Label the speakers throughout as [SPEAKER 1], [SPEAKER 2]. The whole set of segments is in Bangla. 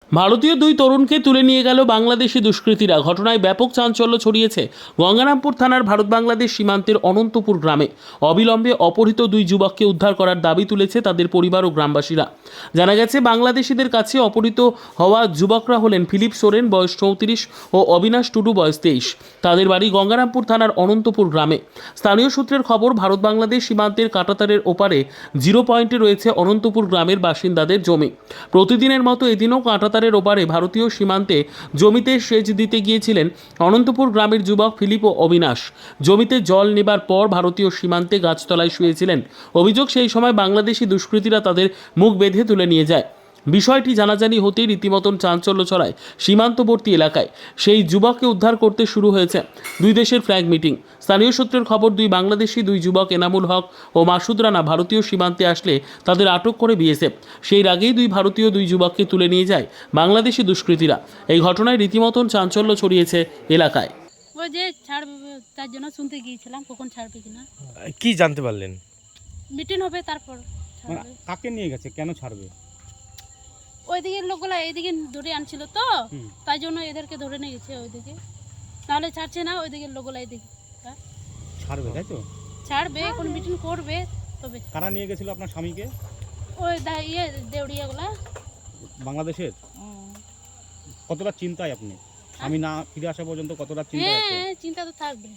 [SPEAKER 1] ভারতীয় দুই তরুণকে তুলে নিয়ে গেল বাংলাদেশি দুষ্কৃতীরা। ঘটনায় ব্যাপক চাঞ্চল্য ছড়িয়েছে গঙ্গারামপুর থানার ভারত বাংলাদেশ সীমান্তের অনন্তপুর গ্রামে। অবিলম্বে অপহৃত দুই যুবককে উদ্ধার করার দাবি তুলেছে তাদের পরিবার ও গ্রামবাসীরা। জানা গেছে, বাংলাদেশিদের কাছে অপহৃত হওয়া যুবকরা হলেন ফিলিপ সোরেন, বয়স 34, ও অবিনাশ টুডু, বয়স 23। তাদের বাড়ি গঙ্গারামপুর থানার অনন্তপুর গ্রামে। স্থানীয় সূত্রের খবর, ভারত বাংলাদেশ সীমান্তের কাঁটাতারের ওপারে জিরো পয়েন্টে রয়েছে অনন্তপুর গ্রামের বাসিন্দাদের জমি। প্রতিদিনের মতো এদিনও কাঁটাতারের ওপারে ভারতীয় সীমান্তে জমিতে সেচ দিতে গিয়েছিলেন অনন্তপুর গ্রামের যুবক ফিলিপ ও অবিনাশ। জমিতে জল নেবার পর ভারতীয় সীমান্তে গাছতলায় শুয়েছিলেন। অভিযোগ, সেই সময় বাংলাদেশি দুষ্কৃতীরা তাদের মুখ বেঁধে তুলে নিয়ে যায়। বিষয়টি জানাজানি হতেই রীতিমতন চাঞ্চল্য ছড়ায় সীমান্তবর্তী এলাকায়। সেই যুবককে উদ্ধার করতে শুরু হয়েছে দুই দেশের ফ্ল্যাগ মিটিং। স্থানীয় সূত্রের খবর, দুই যুবক এনামুল হক ও মাসুদ রানা ভারতীয় সীমান্তে আসলে তাদের আটক করে বিএসএফ। সেই আগেই দুই যুবককে তুলে নিয়ে যায় বাংলাদেশি দুষ্কৃতীরা। এই ঘটনায় রীতিমতন চাঞ্চল্য ছড়িয়েছে এলাকায়।
[SPEAKER 2] ওই যে ছাড়বে, তার জন্য শুনতে গিয়েছিলাম কখন ছাড়বে কিনা।
[SPEAKER 3] কি জানতে পারলেন?
[SPEAKER 2] মিটিং হবে তারপর ছাড়বে।
[SPEAKER 4] কাকে নিয়ে গেছে, কেন ছাড়বে?
[SPEAKER 2] ওইদিকে লোকগুলা এইদিকে ধরে আনছিল তো, তাই জন্য এদেরকে ধরে নিয়ে গেছে ওইদিকে, নাহলে ছাড়ছে না। ওইদিকে লোকগুলা এইদিকে
[SPEAKER 4] ছাড়বে, তাই তো?
[SPEAKER 2] ছাড়বে, এখন মিটিং করবে তবে।
[SPEAKER 4] কারা নিয়ে গেছিল আপনার স্বামীকে?
[SPEAKER 2] ওই দেউড়িয়াগুলা
[SPEAKER 4] বাংলাদেশের। কতটা চিন্তায় আপনি? স্বামী না ফিরে আসা পর্যন্ত কতটা চিন্তায় আছেন?
[SPEAKER 2] হ্যাঁ, চিন্তা তো থাকবে।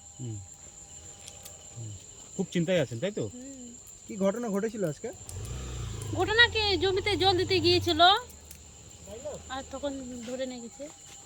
[SPEAKER 4] খুব চিন্তায় আছেন, তাই তো?
[SPEAKER 5] কি ঘটনা ঘটেছিল আজকে?
[SPEAKER 2] ঘটনা কি, জমিতে জল দিতে গিয়েছিল আর তখন ধরে নিয়ে গেছে।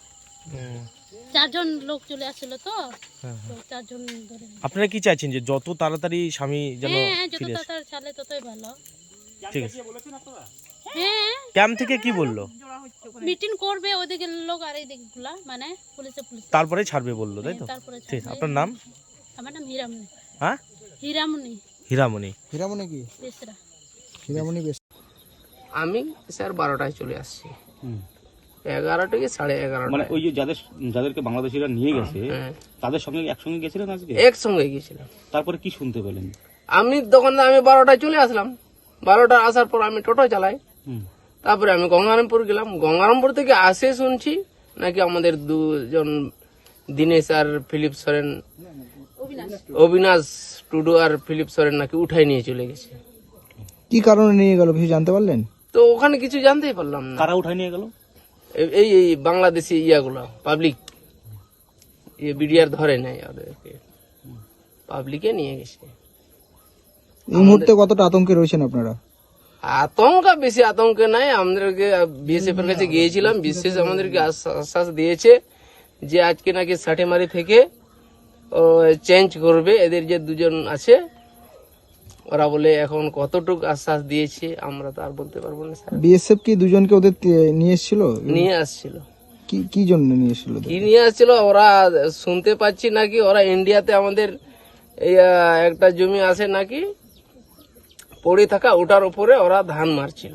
[SPEAKER 2] 4 জন লোক চলে আসছিল তো, 4 জন ধরে।
[SPEAKER 3] আপনারা কি চাইছেন যে যত তাড়াতাড়ি স্বামী যেন
[SPEAKER 2] হ্যাঁ, যত
[SPEAKER 3] ফিরে আসে?
[SPEAKER 2] তাড়াতাড়ি ছাড়লে ততই ভালো।
[SPEAKER 3] ঠিক আছে।
[SPEAKER 2] হ্যাঁ,
[SPEAKER 3] ক্যাম্প থেকে কি বললো?
[SPEAKER 2] মিটিং করবে ওইদিকে লোক আর এইদিকে গুলা, মানে পুলিশ।
[SPEAKER 3] তারপরে ছাড়বে বললো, তাই তো?
[SPEAKER 2] তারপরে
[SPEAKER 3] ঠিক।
[SPEAKER 2] ছাড়বে।
[SPEAKER 3] আপনার নাম?
[SPEAKER 2] আমার নাম হীরামণি।
[SPEAKER 3] হ্যাঁ,
[SPEAKER 2] হীরামণি
[SPEAKER 3] হীরামণি।
[SPEAKER 5] হীরামণি কি?
[SPEAKER 2] বেসরা।
[SPEAKER 5] হীরামণি বেশ।
[SPEAKER 6] আমি স্যার 12টায় চলে আসছি। 11টা কি 11:30।
[SPEAKER 4] মানে ওই যে যাদেরকে বাংলাদেশিরা নিয়ে গেছে,
[SPEAKER 6] হ্যাঁ,
[SPEAKER 4] তাদের সঙ্গে একসঙ্গে গেছিলেন আজকে?
[SPEAKER 6] একসঙ্গে গিয়েছিলাম।
[SPEAKER 4] তারপরে কি শুনতে পেলেন?
[SPEAKER 6] আমি তখন 12টায় চলে আসলাম। 12টা আসার পর আমি টোটো চালাই। তারপরে আমি গঙ্গারামপুর গেলাম। গঙ্গারামপুর থেকে আসে শুনছি নাকি আমাদের 2 জন দীনেশ আর ফিলিপ সোরেন, অবিনাশ টুডু আর ফিলিপ সোরেন নাকি উঠাই নিয়ে চলে গেছে।
[SPEAKER 5] কি কারণে নিয়ে গেল কিছু জানতে পারলেন?
[SPEAKER 6] তো ওখানে কিছু জানতেই পারলাম না।
[SPEAKER 4] কারা উঠায় নিয়ে গেল?
[SPEAKER 6] এই এই বাংলাদেশি ইয়াগুলো, পাবলিক বিডিআর ধরে নেয় ওদেরকে, পাবলিকে নিয়ে গেছে।
[SPEAKER 5] এই মুহূর্তে কতটা আতঙ্কে রয়েছেন আপনারা?
[SPEAKER 6] বেশি আতঙ্কে নাই। আমাদেরকে বিএসএফ এর কাছে গিয়েছিলাম, বিশেষ আমাদেরকে আশ্বাস দিয়েছে যে আজকে নাকি সাঠেমারি থেকে চেঞ্জ করবে। এদের যে 2 জন আছে ওরা বলে, এখন কতটুকু আশ্বাস দিয়েছে আমরা তো আর বলতে পারবো না স্যার।
[SPEAKER 5] বিএসএফ কি দুজনকে ওদের নিয়ে এসেছিল?
[SPEAKER 6] নিয়ে আসছিল।
[SPEAKER 5] কি জন্য নিয়ে এসেছিল?
[SPEAKER 6] কি নিয়ে আসছিল ওরা শুনতে পাচ্ছি নাকি ওরা ইন্ডিয়াতে আমাদের এই একটা জমি আছে নাকি পড়ে থাকা, ওটার উপরে ওরা ধান মারছিল।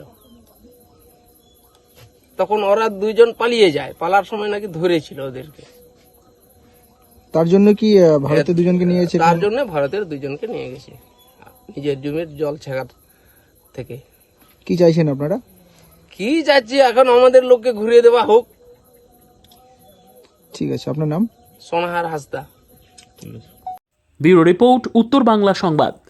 [SPEAKER 6] তখন ওরা 2 জন পালিয়ে যায়, পালার সময় নাকি ধরেছিল ওদেরকে।
[SPEAKER 5] তার জন্য কি ভারতের দুজনকে নিয়ে এসেছিল?
[SPEAKER 6] তার জন্য ভারতের 2 জনকে নিয়ে গেছে নিজের জমির জল ছেঁকার থেকে।
[SPEAKER 5] কি চাইছেন আপনারা?
[SPEAKER 6] কি যাচ্ছি, এখন আমাদের লোককে ঘুরিয়ে দেওয়া হোক।
[SPEAKER 5] ঠিক আছে, আপনার নাম?
[SPEAKER 6] সোনাহার হাসদা।
[SPEAKER 1] ব্যুরো রিপোর্ট, উত্তর বাংলা সংবাদ।